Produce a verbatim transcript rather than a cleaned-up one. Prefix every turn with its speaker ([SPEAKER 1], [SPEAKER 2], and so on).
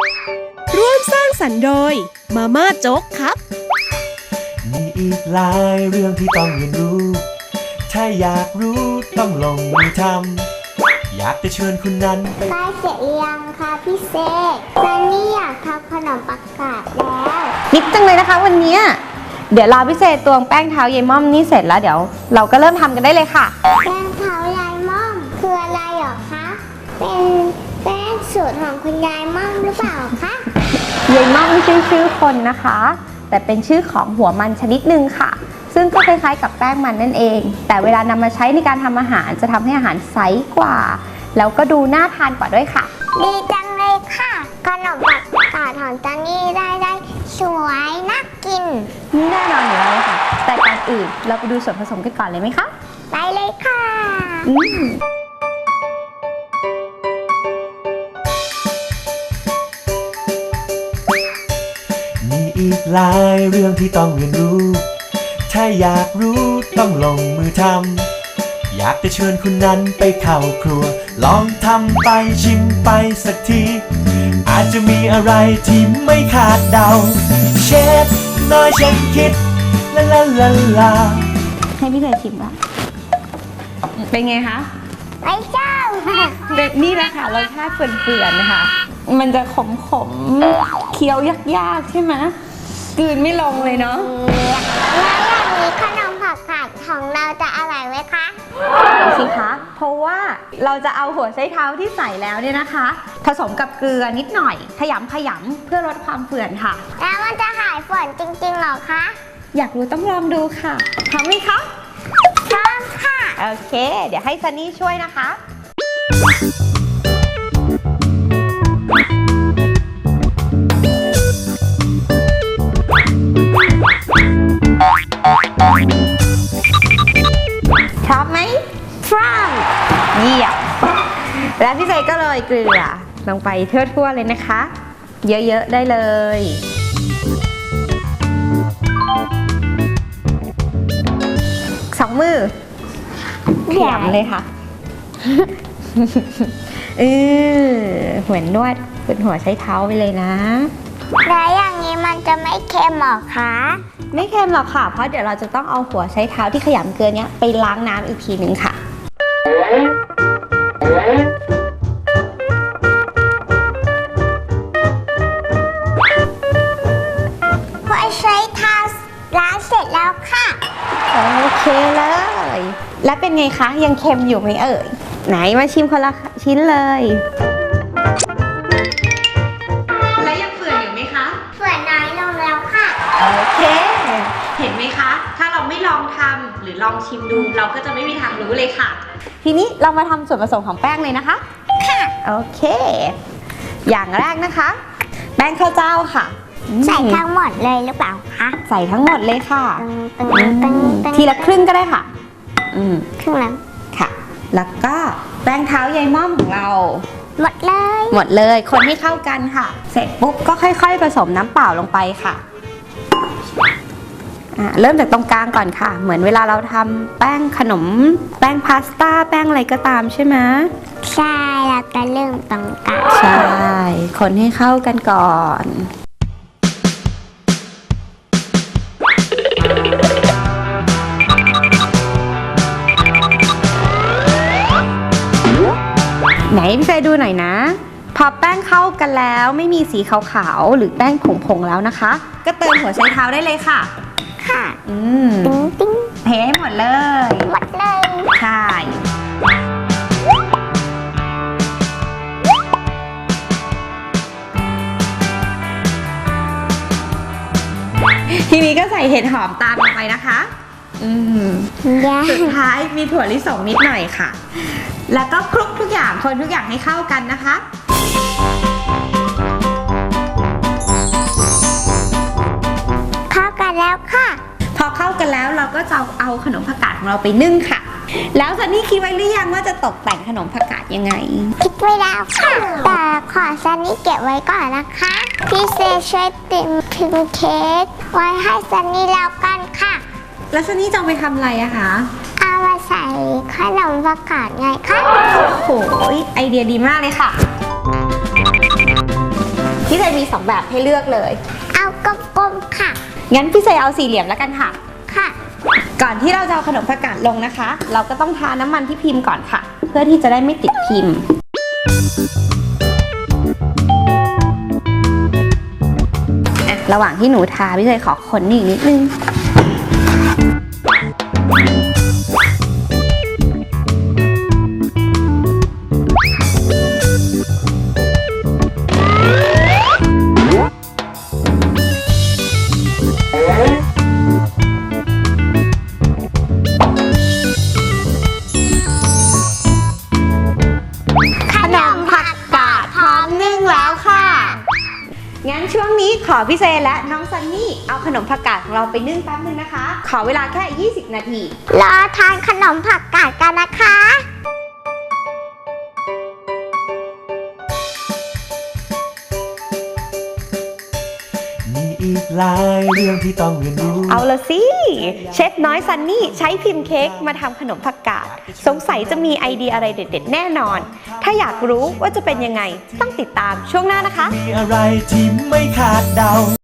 [SPEAKER 1] ร่วมสร้างสรรค์โดยมาม่าโจ๊กครับ
[SPEAKER 2] มีอีกหลายเรื่องที่ต้องเรียนรู้ถ้าอยากรู้ต้องลงมือทำอยากจะเชิญคุณนั้นไป
[SPEAKER 3] ใกล้เสร็จหรือยังคะพี่เซซันนี่อยากทำขนมปังกาดแล้ว
[SPEAKER 4] นิดจังเลยนะคะวันนี้เดี๋ยวรอพี่เซตวงแป้งเท้ายายม่อมนี่เสร็จแล้วเดี๋ยวเราก็เริ่มทำกันได้เลยค่ะ
[SPEAKER 3] แป้งเท้ายายม่อมคืออะไรหรอคะเป็นแป้งสูตรของคุณยายม่อมหรือเปล่าคะ
[SPEAKER 4] ยายม่อมไม่ใช่ชื่อคนนะคะแต่เป็นชื่อของหัวมันชนิดหนึ่งค่ะซึ่งก็คล้ายๆกับแป้งมันนั่นเองแต่เวลานำมาใช้ในการทำอาหารจะทำให้อาหารใสกว่าแล้วก็ดูน่าทานกว่าด้วยค่ะ
[SPEAKER 3] ดีจังเลยค่ะขนมปังกาดของจันนี่ได้ได้สวยน่ากิน
[SPEAKER 4] แน่นอนอยู่แล้วค่ะแต่ก่อนอื่นเราไปดูส่วนผสมกันก่อนเลยไหมคะ
[SPEAKER 3] ไปเลยค่ะ
[SPEAKER 4] อืม
[SPEAKER 2] มีอีกหลายเรื่องที่ต้องเรียนรู้ถ้าอยากรู้ต้องลงมือทำอยากจะเชิญคุณนั้นไปเข้าครัวลองทำไปชิมไปสักทีอาจจะมีอะไรที่ไม่คาดเดาเชฟน้อยฉันคิดลาลาลาลา
[SPEAKER 4] ให้พี่เธอชิมละเป็นไงคะ
[SPEAKER 3] ไม่เจ้า
[SPEAKER 4] แบบนี้แหละค่ะรสชาติเปื่อนๆนะคะมันจะขมๆเคี้ยวยากๆใช่ไหมกลืนไม่ลงเลยเนาะ
[SPEAKER 3] แล้วอย่างนี้ขนมผักกาดของเราจะอร่อยไหมคะ
[SPEAKER 4] สิคะเพราะว่าเราจะเอาหัวไชเท้าที่ใส่แล้วเนี่ยนะคะผสมกับเกลือนิดหน่อยขยำขยำเพื่อลดความเปื่อนค่ะ
[SPEAKER 3] แล้วมันจะหายฝนจริงๆหรอคะ
[SPEAKER 4] อยากรู้ต้องลองดูค่ะพร้อมไหมคะ
[SPEAKER 3] พร้อมค่ะ
[SPEAKER 4] โอเคเดี๋ยวให้ซันนี่ช่วยนะคะพร้อมไหม
[SPEAKER 3] พร้อม
[SPEAKER 4] เยี่ยมแล้วพี่เซก็โรยเกลือลงไปทั่วๆเลยนะคะเยอะๆได้เลยสองมือขยำเลยค่ะเออเหมือนนวดบนหัวใช้เท้าไปเลยนะ
[SPEAKER 3] แล้วอย่างนี้มันจะไม่เค็มหรอคะ
[SPEAKER 4] ไม่เค็มหรอกค่ะเพราะเดี๋ยวเราจะต้องเอาหัวใช้เท้าที่ขยำเกลือเนี้ยไปล้างน้ำอีกทีนึงค่ะ
[SPEAKER 3] หัวใช้เท้าล้างเสร็จแล้วค่ะ
[SPEAKER 4] โอเคเลยแล้วเป็นไงคะยังเค็มอยู่ไหมเอ่ยไหนมาชิมคนละชิ้นเลยแล้วยังเฟื่อนอยู่ไหมคะ
[SPEAKER 3] เฟื่อนน้อยลงแล้วค่ะ
[SPEAKER 4] โอเคเห็นไหมคะถ้าเราไม่ลองทำหรือลองชิมดูเราก็จะไม่มีทางรู้เลยค่ะทีนี้เรามาทำส่วนผสมของแป้งเลยนะคะ
[SPEAKER 3] ค่ะ
[SPEAKER 4] โอเคอย่างแรกนะคะแป้งข้าวเจ้าค่ะ
[SPEAKER 3] ใส่ทั้งหมดเลยหรือเปล่าคะ
[SPEAKER 4] ใส่ทั้งหมดเลยค่ะทีละครึ่งก็ได้ค่ะอืม
[SPEAKER 3] ครึ่งแล้ว
[SPEAKER 4] ค่ะแล้วก็แป้งเท้ายายม่อมของเรา
[SPEAKER 3] หมดเลย
[SPEAKER 4] หมดเลยคนให้เข้ากันค่ะเสร็จปุ๊บก็ค่อยๆผสมน้ำเปล่าลงไปค่ะเริ่มจากตรงกลางก่อนค่ะเหมือนเวลาเราทำแป้งขนมแป้งพาสต้าแป้งอะไรก็ตามใช่ไหม
[SPEAKER 3] ใช่แล้วก็เริ่มตรงกลาง
[SPEAKER 4] ใช่คนให้เข้ากันก่อนไหนพี่เฟยดูหน่อยนะพอแป้งเข้ากันแล้วไม่มีสีขาวๆหรือแป้งผงๆแล้วนะคะก็เติมหัวไชเท้าได้เลยค่ะ
[SPEAKER 3] ค่ะ
[SPEAKER 4] อืม
[SPEAKER 3] ติ๊งติ๊ง
[SPEAKER 4] เทให้หมดเลย
[SPEAKER 3] หมดเลย
[SPEAKER 4] ใช่ทีนี้ก็ใส่เห็ดหอมตามลงไปนะคะอืมสุดท้ายมีถั่วลิสงนิดหน่อยค่ะแล้วก็คลุกทุกอย่างคนทุกอย่างให้เข้ากันนะคะ
[SPEAKER 3] เข้ากันแล้วค่ะ
[SPEAKER 4] พอเข้ากันแล้วเราก็จะเอาขนมผักกาดของเราไปนึ่งค่ะแล้วซันนี่คิดไว้หรือยังว่าจะตกแต่งขนมผักกาดยังไง
[SPEAKER 3] คิดไว้แล้วค่ะแต่ขอซันนี่เก็บไว้ก่อนนะคะพี่เซช่วยติมพิมเค้กไว้ให้ซันนี่แล้วกันค่ะ
[SPEAKER 4] แล้วซันนี่จะเอาไปทำอะไรอะคะ
[SPEAKER 3] เอามาใส่ขนมผักกาดไงคะ
[SPEAKER 4] โอ้โหไอเดียดีมากเลยค่ะ ทพี่เซมีสองแบบให้เลือกเลย
[SPEAKER 3] เอากลมๆค่ะ
[SPEAKER 4] งั้นพี่เซเอาสี่เหลี่ยมแล้วกันค่ะ
[SPEAKER 3] ค่ะ
[SPEAKER 4] ก่อนที่เราจะเอาขนมผักกาดลงนะคะ เราก็ต้องทาน้ำมันที่พิมพ์ก่อนค่ะ เพื่อที่จะได้ไม่ติดพิมพ์อ่ะระหว่างที่หนูทาพี่เซขอคนนี่อีกนิดนึงขนมผักกาดพร้อมนึ่งแล้วค่ะ งั้นช่วงนี้ขอพี่เซและน้องซันนี่เอาขนมผักกาดของเราไปนึ่งแป๊บนึงนะคะ ขอเวลาแค่ ยี่สิบ นาที
[SPEAKER 3] รอทานขนมผักกาดกันนะคะ
[SPEAKER 2] มีอีกหลายเรื่องที่ต้องเรียนรู้
[SPEAKER 1] เอาละสิ เชฟน้อยซันนี่ใช้พิมพ์เค้กมาทำขนมผักกาด สงสัยจะมีไอเดียอะไรเด็ดๆแน่นอน ถ้าอยากรู้ว่าจะเป็นยังไง ต้องติดตามช่วงหน้านะคะ
[SPEAKER 2] มีอะไรที่ไม่คาดเดา